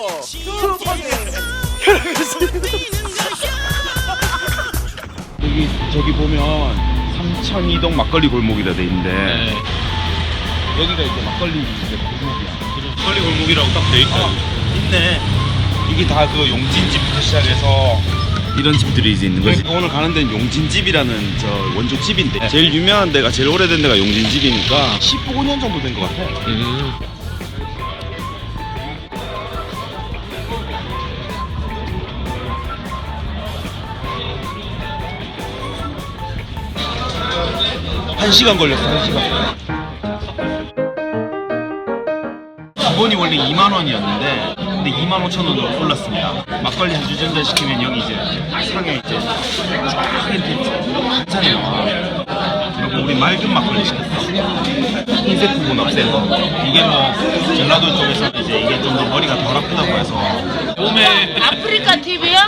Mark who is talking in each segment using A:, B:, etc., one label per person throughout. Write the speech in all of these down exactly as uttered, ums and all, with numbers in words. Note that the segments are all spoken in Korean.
A: 여기 저기 보면 삼천이동 막걸리 골목이라 돼 있는데
B: 네.
A: 여기가 이제 막걸리 이제 골목이야.
B: 막걸리 골목이라고 딱 돼 있다.
A: 있네. 이게 다 그 용진집부터 시작해서 이런 집들이 이제 있는 거지. 오늘 가는 데는 용진집이라는 저 원조 집인데 제일 유명한 데가 제일 오래된 데가 용진집이니까 십오 년 정도 된 것 같아.
B: 음.
A: 한 시간 걸렸어. 한 시간. 기본이 원래 이만 원이었는데 근데 이만 오천 원으로 올랐습니다. 막걸리 한 주전자 시키면 여기 이제 상에 이제 쫙 이렇게 한잔이 나와. 그리고 우리 맑은 막걸리 시켰어. 흰색 부분 없애는 거. 이게 뭐 전라도 쪽에서는 이제 이게 좀 더 머리가 덜 아프다고 해서
B: 몸에
C: 아프리카 티비야?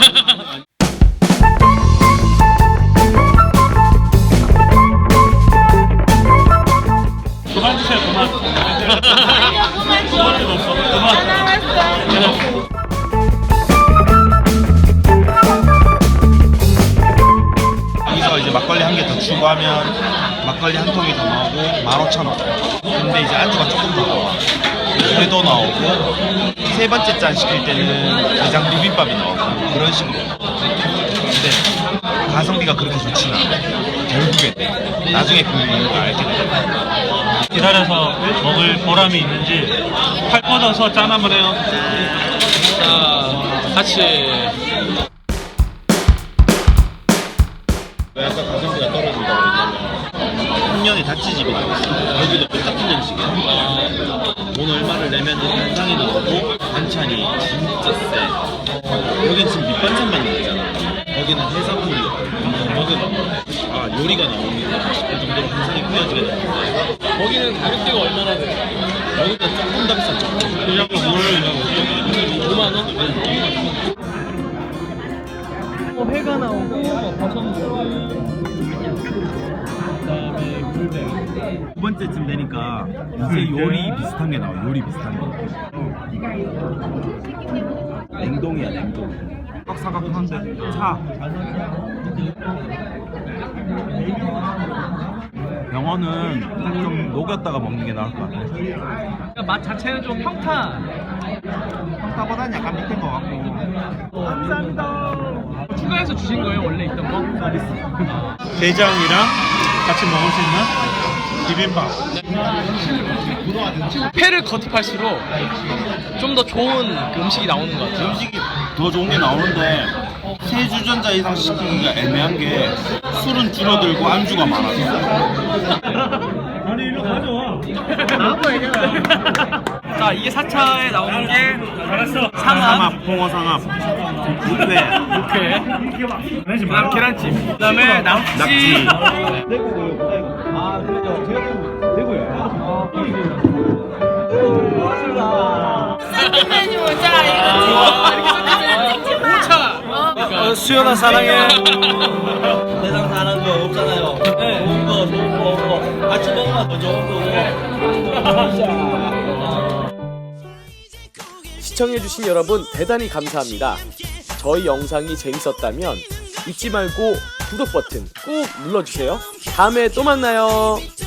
B: 그만 주세요. 그만.
C: 아니야 그만 줘. 다 나왔어.
A: 여기서 이제 막걸리 한 개 더 추가하면 막걸리 한 통이 더 나오고 만 오천 원. 근데 이제 안주가 조금 더 나와. 회도 나오고 세 번째 잔 시킬 때는 게장 비빔밥이 나오고 그런 식으로. 근데 가성비가 그렇게 좋지는 않아. 결국엔 나중에 그 이유를 알게 돼.
B: 기다려서 먹을 보람이 있는지 팔 뻗어서 짠 한번 해요. 자, 같이.
A: 왜 아까 가성비가 떨어진다고 그랬냐면 한 년에 다치집이 나왔어. 여기도 똑같은 형식이야. 돈 얼마를 내면 한상이 나오고 반찬이 진짜 세. 여긴 지금 밑반찬만 나오잖아. 거기는 해산물이 여기는 아 요리가 나옵니다 싶을 정도로 한상이 꾸며지게 되는데
B: 거기는 가격대가 얼마나 돼?
A: 여기는 조금 더 비싸. 조금.
B: 그냥 뭘 오만 원? 뭐 회가 나오고 뭐 버섯물 그다음에 굴배.
A: 두 번째쯤 되니까 이제 요리 비슷한 게 나와. 요리 비슷한 게. 냉동이야 냉동. 사각사각한데 차. 병어는 좀 녹였다가 먹는 게 나을 것 같아.
B: 그러니까 맛 자체는 좀 평타.
A: 평타보다는 약간 밑인 것 같고.
B: 감사합니다. 추가해서 주신 거예요? 원래 있던 거? 서비스. 게장이랑 같이 먹을 수 있는 비빔밥. 회를 거듭할수록 좀 더 좋은 그 음식이 나오는 것 같아요.
A: 음식이 더 좋은 게 나오는데 세 주전자 이상 시키기가 애매한 게 술은 줄어들고 안주가 많아서.
B: 아니 일로 가져와. 나도 얘기해라. 자 이게 사 차에 나오는 게 알았어.
A: 상합, 홍어 상합, 육회,
B: 육회, 그다음 계란찜, 그다음에 낙지.
A: 낙지.
B: 아 그래요. 대구요.
C: 샌드 메뉴 자 이거 찍지 마. 찍지 마.
B: 오차. 수연아 사랑해.
D: 세상 사는 거 없잖아요.
B: 네.
D: 좋은 거, 좋은 거, 뭐 같이 먹으면 더 좋은 거고.
E: 시청해주신 여러분 대단히 감사합니다. 저희 영상이 재밌었다면 잊지 말고 구독 버튼 꾹 눌러주세요. 다음에 또 만나요.